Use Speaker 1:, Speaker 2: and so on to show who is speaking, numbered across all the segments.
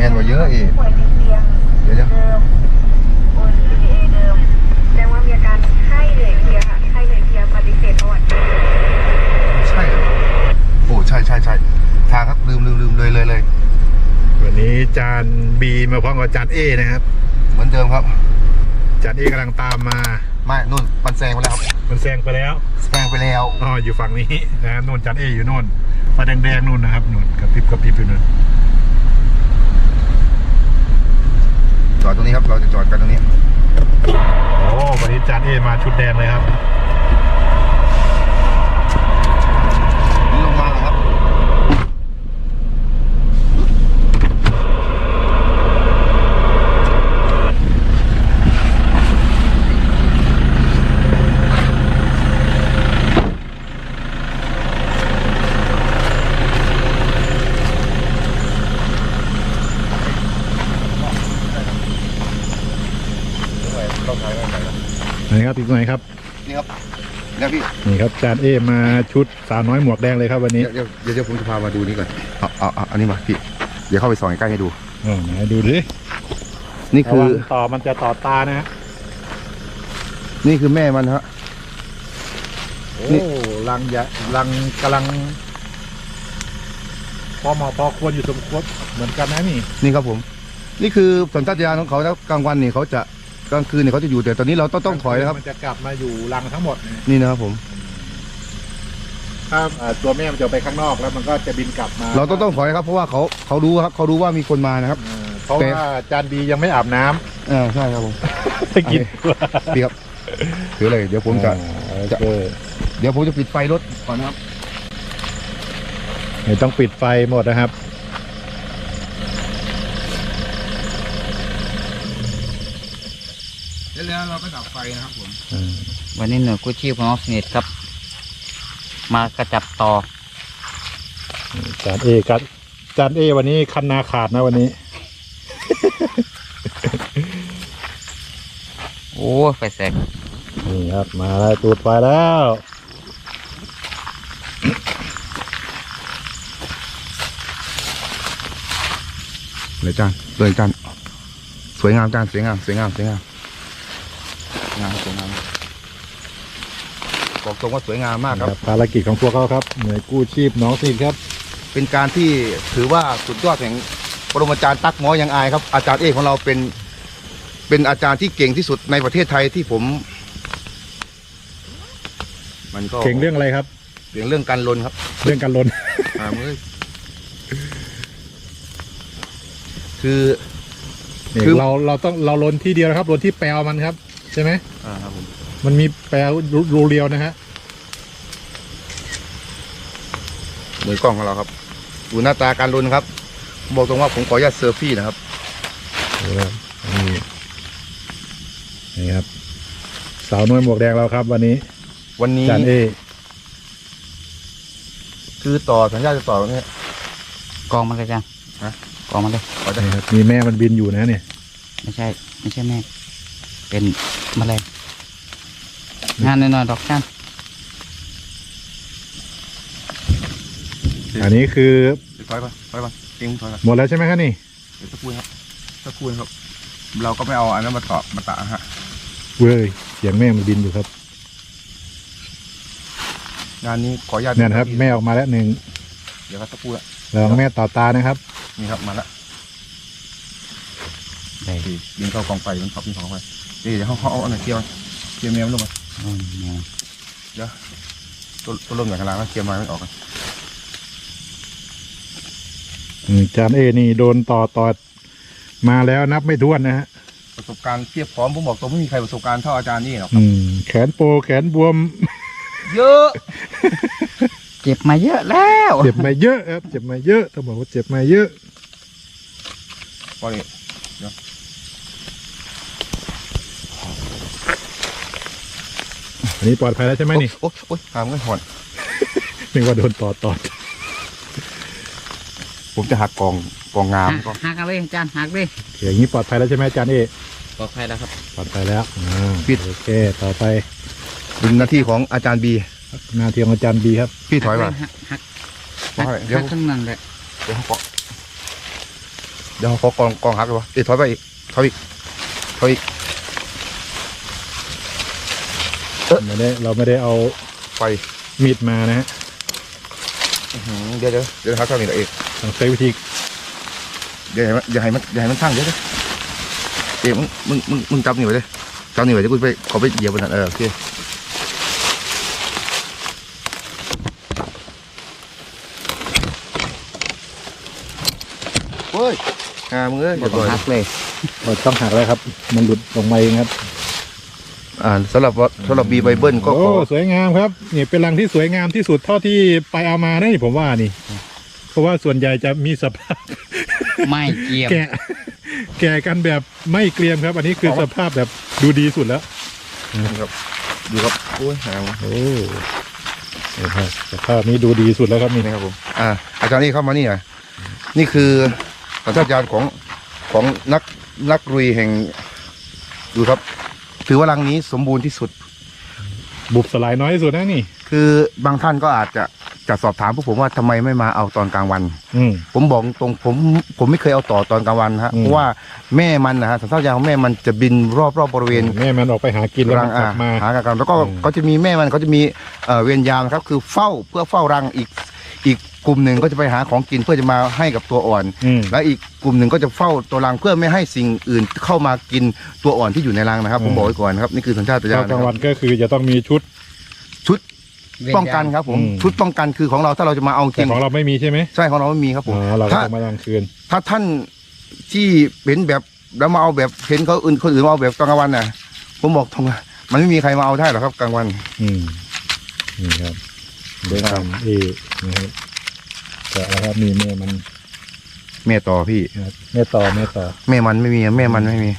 Speaker 1: ม่นกว่าเยอะอีก
Speaker 2: ป่วยติดเตียง
Speaker 1: เดี๋ยว
Speaker 2: เดิมโอน PDA เดิมแสดงว่ามีอาการไข้เหนื่อยเพลียค่ะไข้เหนื่อยเพลียปฏิเสธประวัติ
Speaker 1: ใช่เหรอโอ้ใช่ทางครับลืมเลย
Speaker 3: วันนี้จานบีมาพร้อมกับจานเอนะครับ
Speaker 1: เหมือนเดิมครับ
Speaker 3: จานเอกำลังตามมา
Speaker 1: ไม่นู่นมันแซงไปแล้วครับ
Speaker 3: มันแซงไปแล้วอ๋ออยู่ฝั่งนี้นะนู่นจานเออยู่นู่นไฟแดงนู่นนะครับนู่นกระพริบอยู่นู่น
Speaker 1: จอดตรงนี้ครับเราจะจอดกันตรงนี้
Speaker 3: โอ้วันนี้จานเอมาชุดแดงเลยครับ
Speaker 1: ลงมาแล้วครับ
Speaker 3: นี่ครับอีกหน่อยครับ
Speaker 1: นี่ครับเนี่ยพี่
Speaker 3: นี่ครับจานเอมาชุดสาวน้อยหมวกแดงเลยครับวันนี้
Speaker 1: เดี๋ยวผมจะพามาดูนี่ก่อนเอาอันนี้มาพี่เดี๋ยวเข้าไปส่องใกล้ให้ดู
Speaker 3: ไหนดูดิ
Speaker 1: นี่คือ
Speaker 3: มันจะต่อตานะฮะ
Speaker 1: นี่คือแม่มันฮะ
Speaker 3: โอ้รังกำลังพอควรอยู่สมควรเหมือนกันนะ
Speaker 1: นี่ครับผมนี่คือสัญชาตญาณของเขาแล้วกลางวันนี่เขาจะกลางคืนเนี่ยเขาจะอยู่แต่ตอนนี้เราต้องถอยนะครับ
Speaker 3: มันจะกลับมาอยู่รังทั้งหมด
Speaker 1: นี่นะครับผม
Speaker 3: ถ้าตัวแม่มันจะไปข้างนอกแล้วมันก็จะบินกลับมา
Speaker 1: เราต้องถอยครับเพราะว่าเขารู้ครับเขารู้ว่ามีคนมานะครับ
Speaker 3: เพราะว่าจานบียังไม่อาบน้
Speaker 1: ำใช่ครับผม
Speaker 3: กิน
Speaker 1: พี่ครับถือเลยเดี๋ยวผมจะเดี๋ยวผมจะปิดไฟรถก่อนนะครับ
Speaker 3: ไม่ต้องปิดไฟหมดนะครับ
Speaker 1: แล้วเราก็ดับไฟนะครับผม
Speaker 4: วันนี้หน่วยกู้ชีพของออฟเน็ตครับมากระจับต่อ
Speaker 3: จานเอวันนี้คันนาขาดนะวันนี้
Speaker 4: โอ้ไฟแสก
Speaker 3: นี่ครับมาแล้วตูดไฟแล้ว
Speaker 1: เลยจานสวยงามจานสวยงามบอกตรงว่าสวยงามมากครับ
Speaker 3: ภารกิจของพวกเขาครับหน่วยกู้ชีพน้องสิครับ
Speaker 1: เป็นการที่ถือว่าสุดยอดแห่งปรมาจารย์ตั๊กหมอยังอายครับอาจารย์เอกของเราเป็นอาจารย์ที่เก่งที่สุดในประเทศไทยที่ผมมันก็
Speaker 3: เก่งเรื่องอะไรครับ
Speaker 1: เก่งเรื่องการลนครับ
Speaker 3: เรื่องการลน
Speaker 1: คือ
Speaker 3: เราลนที่เดียวนะครับลนที่แปลวมันครับใช่ไหม
Speaker 1: ครับผม
Speaker 3: มันมีแปลวรูเรียวนะฮะ
Speaker 1: มือกล้องของเราครับดูหน้าตาการลนครับบอกตรงว่าผมขออนุญาตเซอร์ฟี่นะครับ
Speaker 3: นี่ครับสาวน้อยหมวกแดงเราครับวันนี้จานเอ
Speaker 1: คือต่อสัญญาจะต่อตรงนี้
Speaker 4: กองมันเลยจังกองมันเลย
Speaker 3: มีแม่มันบินอยู่นะเนี่ย
Speaker 4: ไม่ใช่แม่เป็นแมลงงานหน่อยดอกจัน
Speaker 3: อันนี้คือ
Speaker 1: ถอยไปทิ้งถอยไป
Speaker 3: หมดแล้วใช่ไหมครับนี่
Speaker 1: สักครู่ครับเราก็ไม่เอาอันนั้นมาตะฮะ
Speaker 3: เว้ยเสียงแม่มันบินอยู่ครับ
Speaker 1: งานนี้ขออนุญาต
Speaker 3: เนี่ยครับแม่ออกมาแล้วหนึ่ง
Speaker 1: เดี๋ยวครับสักครู่ละ
Speaker 3: แล้วแม่ต่อตานะครับ
Speaker 1: นี่ครับมาแล้วยิงเข้ากองไฟมันขับยิงเข้าไปเดี๋ยวเขาเอาอันไหนเกี่ยวแมวลงมาเดี๋ยวตัวลมอย่างกลางแล้วเกี่ยวมาไม่ออกกัน
Speaker 3: จานเอนี่โดนต่อมาแล้วนับไม่ถ้วนนะฮะ
Speaker 1: ประสบการณ์เทียบพร้อมผมบอกตรงไม่มีใครประสบการณ์เท่าอาจารย์นี่หรอก
Speaker 3: แขนโปแขนบวม
Speaker 1: เยอะ
Speaker 4: เจ็บมาเยอะแล้ว
Speaker 3: เจ็บมาเยอะครับเจ็บมาเยอะต้องบอกว่าเจ็บมาเยอะ
Speaker 1: พอดีเดี๋ยว
Speaker 3: อันนี้ปลอดภัยแล้วใช่ไหมนี่
Speaker 1: โอ๊ยหามเงินหอน
Speaker 3: นึกว่าโดนต่อ
Speaker 1: ผมจะหักกองงาม
Speaker 4: หักเลยจานหักเลย
Speaker 3: อย่างนี้ปลอดภัยแล้วใช่ไหมจานเอ
Speaker 4: ปลอดภัยแล้วครับ
Speaker 3: ปลอดภัยแล้ว
Speaker 1: ปิด
Speaker 3: โอเคต่อไป
Speaker 1: เป็นหน้าที่ของอาจารย์บี
Speaker 3: หน้าที่ของอาจารย์บีครับ
Speaker 1: พี่ถอยมา
Speaker 4: หักข้างนั้นเลย
Speaker 1: เดี๋ยวเขาเกาะเดี๋ยวขอกองหักเลยวะถอยไปอีกถอยอีก
Speaker 3: เราไม่ได้เอา
Speaker 1: ไฟ
Speaker 3: มีดมานะฮะ
Speaker 1: เดี๋ยวหาข้าวนี่ละเอก
Speaker 3: ต้องใช้วิธี
Speaker 1: อย่าให้มันทั้งเดี๋ยวเอกมึงจับนี่ไว้เลยจับนี่ไว้เดี๋ยวกูไปขอไปเหยียบบนนั้นโอเคเฮ้ยมึงเอ้ย
Speaker 4: บดหักเลย
Speaker 3: เราต้องหักแล้วครับ มันหลุดลงมาเองครับ
Speaker 1: สำหรับบีไบเบิลก็
Speaker 3: โอ้สวยงามครับนี่เป็นรังที่สวยงามที่สุดเท่าที่ไปเอามานะนี่ผมว่านี่ เพราะว่าส่วนใหญ่จะมีสภาพ
Speaker 4: ไม่เกี่ยว
Speaker 3: แก่กันแบบไม่เกรียมครับ อันนี้คือสภาพแบบดูดีสุดแล้ว
Speaker 1: ครับดูครับโอ้ย
Speaker 3: โอ้สภาพนี้ดูดีสุดแล้วครับนี่
Speaker 1: นะครับผมอาจารย์นี่เข้ามานี่อ่ะนี่คือสัญชาตญาณของนักลุยแห่งดูครับถือว่ารังนี้สมบูรณ์ที่สุด
Speaker 3: บุบสลายน้อยที่สุดนะนี่
Speaker 1: คือบางท่านก็อาจจะสอบถามพวกผมว่าทำไมไม่มาเอาตอนกลางวัน ผมบอกตรงผมไม่เคยเอาต่อตอนกลางวันฮะเพราะว่าแม่มันนะฮะสัญชาตญาณของแม่มันจะบินรอบบริเวณ
Speaker 3: แม่มันออกไปหากินแล้ว
Speaker 1: รัง
Speaker 3: กลับมา
Speaker 1: หากันแล้วก็เขาจะมีแม่มันเขาจะมีเวรยามนะครับคือเฝ้ารังอีกกลุ่มหนึ่งก็จะไปหาของกินเพื่อจะมาให้กับตัวอ่อนและอีกกลุ่มหนึ่งก็จะเฝ้าตัวรังเพื่อไม่ให้สิ่งอื่นเข้ามากินตัวอ่อนที่อยู่ในรังนะครับผมบอกไว้ก่อนครับนี่คือสัญชาตญาณ
Speaker 3: กลางวันก็คือจะต้องมีชุด
Speaker 1: ป้องกันครับผมชุดป้องกันคือของเราถ้าเราจะมาเอาจริ
Speaker 3: แต่
Speaker 1: ง
Speaker 3: ของเราไม่มีใช่ไหม
Speaker 1: ใช่ของเราไม่มีครับผม
Speaker 3: เราก็ต้องมากลางคืน
Speaker 1: ถ้าท่านที่เป็นแบบแล้วมาเอาแบบเห็นเขาคนอื่นมาเอาแบบตอนกลางวันน่ะผมบอกตรงมันไม่มีใครมาเอาได้หรอกครับกลางวัน
Speaker 3: นี่ครับเดินทางนะครับแต่อะไรครับมีแม่มัน
Speaker 1: แม่ต่อพี่
Speaker 3: ครับแม่ต่อ
Speaker 1: แม่มันไม่มีแม่มันไม่มี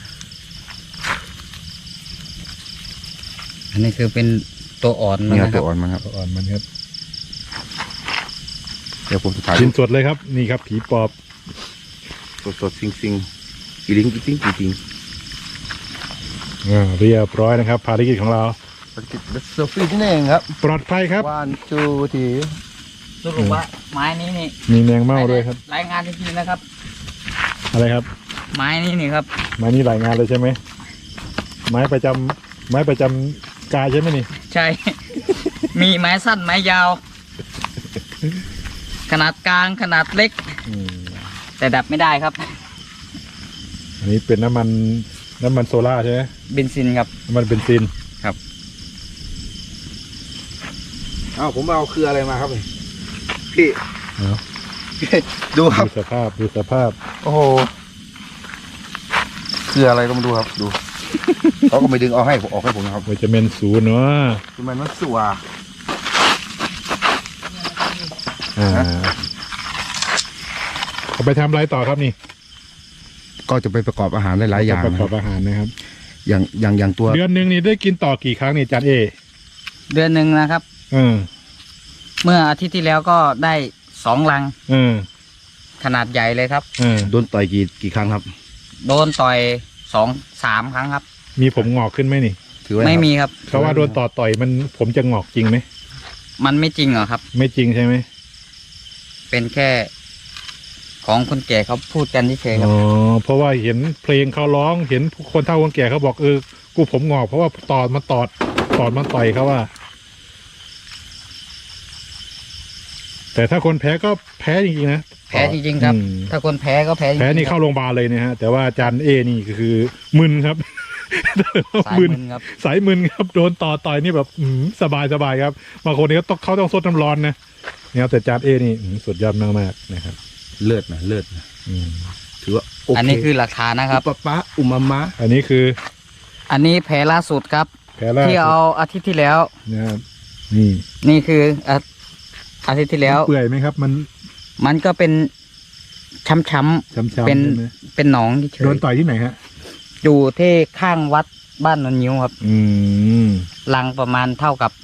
Speaker 4: อันนี้คือเป็นตัวอ่อนมัน
Speaker 1: นี่
Speaker 4: นะค
Speaker 1: ตั
Speaker 4: รับ
Speaker 1: วอ่อนมันครับ
Speaker 3: ตัวอ่อนมันครับ
Speaker 1: เดี๋ยวผมจะถ่าย
Speaker 3: กินสดเลยครับนี่ครับผีปอบ
Speaker 1: สดซิงอีลิงจริง
Speaker 3: เรียบร้อยนะครับภารกิจของเรา
Speaker 1: ภารกิจเซลฟี่ที่นี่เองครับ
Speaker 3: ปลอดภัยครับ
Speaker 1: วันจูที
Speaker 4: สรุปว่าไม้นี้นี่
Speaker 3: มีแมงเม่าด้วยครับ
Speaker 4: รายงานจริงๆนะครับ
Speaker 3: อะไรครับ
Speaker 4: ไม้นี้นี่ครับ
Speaker 3: ไม้นี้หลายงานเลยใช่ไหมไม้ประจำกายใช่ไหมนี่
Speaker 4: ใช่ มีไม้สั้นไม้ยาว ขนาดกลางขนาดเล็ก แต่ดับไม่ได้ครับ
Speaker 3: อันนี้เป็นน้ำมันโซล่าใช่ไหม
Speaker 4: เบนซินครับ
Speaker 3: น้ำมันเบนซิน
Speaker 1: ผมเอาคืออะไรมาครับพี่ดูครับ
Speaker 3: ดูสภาพ
Speaker 1: โอ้โหคืออะไรก็มาดูครับดูเขาก็ไม่ดึงเอาให้ผมออกให้ผมนะครับ
Speaker 3: วิตามินศูนย์เนาะ
Speaker 1: คือมันสัว
Speaker 3: เอาไปทำอะไรต่อครับนี่
Speaker 1: ก็จะไปประกอบอาหารหลายๆอย่าง
Speaker 3: ประกอบอาหารนะครับ
Speaker 1: อย่างตัว
Speaker 3: เดือนหนึ่งนี่ได้กินต่อกี่ครั้งนี่จานเอ
Speaker 4: เดือนหนึ่งนะครับ เมื่ออาทิตย์ที่แล้วก็ได้2 ลัง ขนาดใหญ่เลยครับ
Speaker 1: โดนต่อยกี่ครั้งครับ
Speaker 4: โดนต่อย2-3 ครั้งครับ
Speaker 3: มีผมงอกขึ้นไหมนี่
Speaker 1: ถือว่า
Speaker 4: ไม่มีครับ
Speaker 3: เขาว่าโดนต่อยมันผมจะงอกจริงไหม
Speaker 4: มันไม่จริงเหรอครับ
Speaker 3: ไม่จริงใช่ไหม
Speaker 4: เป็นแค่ของคนแก่เขาพูดกันเฉยๆครับ
Speaker 3: เพราะว่าเห็นเพลงเขาร้องเห็นคนเฒ่าคนแก่เขาบอกกูผมงอกเพราะว่าตอดมันต่อยเขาว่า แต่ถ้าคนแพ้ก็แพ้จริงๆนะ
Speaker 4: แพ้จริงๆครับ ถ้าคนแพ้ก็แพ้จริงๆ
Speaker 3: แพ้นี่เข้าโรงพยาบาลเลยนะฮะแต่ว่าอาจารย์เอนี่ก็คือมึนครับ
Speaker 4: สายมึนครับ
Speaker 3: สายมึนครับโดนต่อยนี่แบบสบายครับบางคนนี่เขาต้องซดน้ำร้อนนะเนี่ยแต่อาจารย์เอนี่สุดยอดมากๆนะครับ
Speaker 1: เลือดนะถือว่าโอเค
Speaker 4: อันนี้คือหลักฐานนะครับ
Speaker 1: ปะอุมามะ
Speaker 3: อันนี้คือ
Speaker 4: อันนี้แผลล่าสุดครับ
Speaker 3: แผลล่า
Speaker 4: ที่เอาอาทิตย์ที่แล้ว
Speaker 3: นะครับนี่
Speaker 4: นี่คืออาทิตย์ที่แล้ว
Speaker 3: เปื่อยไหมครับ
Speaker 4: มันก็เป็นช้ำ
Speaker 3: ช้ำๆ
Speaker 4: เป็น
Speaker 3: ใช่ไหม
Speaker 4: เป็นหนองเฉ
Speaker 3: โด
Speaker 4: ย
Speaker 3: นต่อยที่ไหนฮะ
Speaker 4: ๆอยู่ที่ข้างวัดบ้านนนยิ้วครับ ลังประมาณเท่ากับ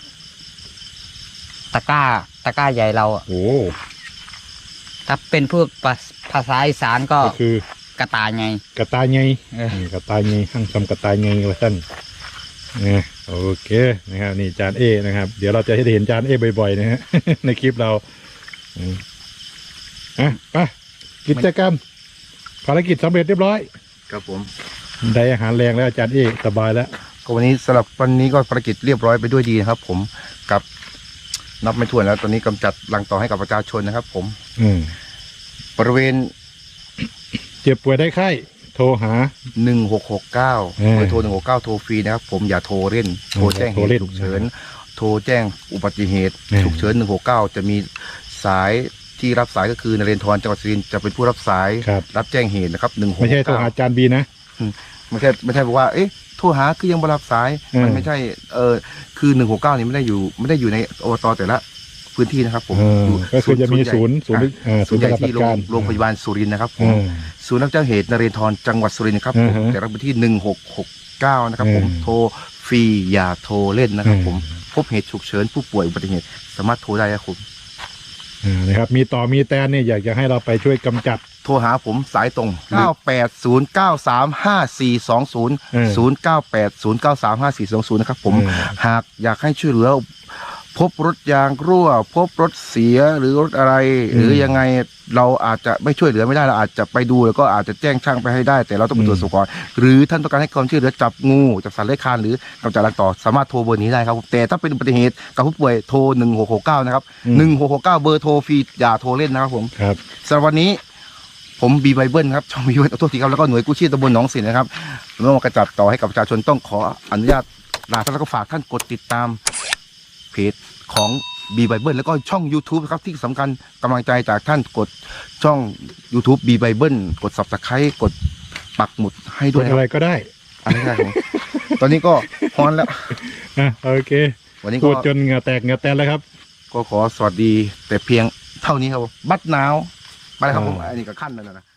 Speaker 4: ตะกร้าใหญ่เราอะ
Speaker 3: โอ้
Speaker 4: ถ้าเป็นพูดภาษาอีสานก็
Speaker 3: ก็คือก
Speaker 4: ระตายไง
Speaker 3: กระต่ายไง
Speaker 4: เออ
Speaker 3: กระต่ายไงห้างทำกระต่ายไงละท่านโอเคนะครับนี่จานเอนะครับ เดี๋ยวเราจะให้เห็นจานเอบ่อยๆนะฮะ ในคลิปเราไปกิจกรรมภารกิจสำเร็จเรียบร้อย
Speaker 1: ครับผม
Speaker 3: ได้อาหารแรงแล้วอาจารย์เอกสบายแล้ว
Speaker 1: ก็วันนี้สำหรับวันนี้ก็ภารกิจเรียบร้อยไปด้วยดีนะครับ ผมกับนับไม่ถ้วนแล้วตอนนี้กำจัดรังต่อให้กับประชาชนนะครับ ผม
Speaker 3: อืม
Speaker 1: บริเวณ
Speaker 3: เจ็บป่วยได้ไข้โทรหา
Speaker 1: 1669เบอร์โทร169โทรฟรีนะครับผมอย่าโทรเล่นโทรแจ้งเห
Speaker 3: โทรเล่
Speaker 1: ตุ
Speaker 3: น
Speaker 1: ฉุกเฉินโทรแจ้งอุบัติเหตุ
Speaker 3: อืม
Speaker 1: ฉุกเฉิน169จะมีสายที่รับสายก็คือนเรนทรจังหวัดสุรินทร์จะเป็นผู้รับสาย
Speaker 3: ครับ
Speaker 1: รับแจ้งเหตุนะครับ169
Speaker 3: ไม่ใช่โทรหาอาจารย์บีนะ
Speaker 1: ไม่ใช่บอกว่าเอ๊ะโทรหาคือยังบ่รับสาย
Speaker 3: อืม
Speaker 1: มันไม่ใช่คือ169นี่ไม่ได้อยู่ในอบตแต่ละพื้นที่นะครับผม
Speaker 3: อืมก็คือจะมีศูนย์
Speaker 1: ศูนย์
Speaker 3: ศูนย์
Speaker 1: ใหญ่
Speaker 3: ปฏิบั
Speaker 1: ที่
Speaker 3: ติการ
Speaker 1: โรงพยาบาลสุรินทร์นะครับผม
Speaker 3: อืม
Speaker 1: ศูนย์รับแจ้งเหตุนเรนทรจังหวัดสุรินทร์นะครับผม
Speaker 3: อือฮะ
Speaker 1: แต่ละพื้นที่1669นะครับผม
Speaker 3: อืม
Speaker 1: โทรฟรีอย่าโทรเล่นนะครับ
Speaker 3: อืม
Speaker 1: ผมพบเหตุฉุกเฉินผู้ป่วยอุบัติเหตุสามารถโทรได้ครับผม
Speaker 3: นะครับมีต่อมีแตนเนี่ยอยากจะให้เราไปช่วยกำจัด
Speaker 1: โทรหาผมสายตรง 980935420 0980935420 นะครับผม หากอยากให้ช่วยเหลือพบรถยางรั่ว พบรถเสียหรือรถอะไร หรือยังไงเราอาจจะไม่ช่วยเหลือไม่ได้เราอาจจะไปดูแล้วก็อาจจะแจ้งช่างไปให้ได้ แต่เราต้องไปตรวจสอบก่อนหรือท่านต้องการให้ความช่วยเหลือจับงูจับสัตว์เลื้อยคลานหรือกำจัดรังต่อสามารถโทรเบอร์นี้ได้ครับแต่ถ้าเป็นอุบัติเหตุกับผู้ป่วยโทร1669นะครับ
Speaker 3: อืม
Speaker 1: 1669เบอร์โทรฟรีอย่าโทรเล่นนะครับผม
Speaker 3: ครับ
Speaker 1: สำหรับวันนี้ผมบีไบเบิลครับช่องบีไบเบิลโทษทีครับแล้วก็หน่วยกู้ชีพตำบลหนองสินนะครับเมื่อมากระจับต่อให้กับประชาชนต้องขออนุญาตลาท่านแล้วก็ฝากท่านกดติดตามเพจของบีไบเบิลแล้วก็ช่อง YouTube นะครับที่สำคัญกำลังใจจากท่านกดช่อง YouTube บีไบเบิลกด Subscribe กดปักหมุดให้ด้วย
Speaker 3: กด
Speaker 1: นะค
Speaker 3: อะไร
Speaker 1: รับ
Speaker 3: ก็ได้
Speaker 1: อันนี้ครับผมตอนนี้ก็ฮอนแล้ว
Speaker 3: โอเค
Speaker 1: วันนี้
Speaker 3: พู
Speaker 1: ก็
Speaker 3: ดจนเหงื่อแตกเหงื่อแตนแล้วครับ
Speaker 1: ก็ขอสวัสดีแต่เพียงเท่านี้ครับผมบัดหนาวไปเลยครับผมอันนี้ก็ขั้นแล้วนะ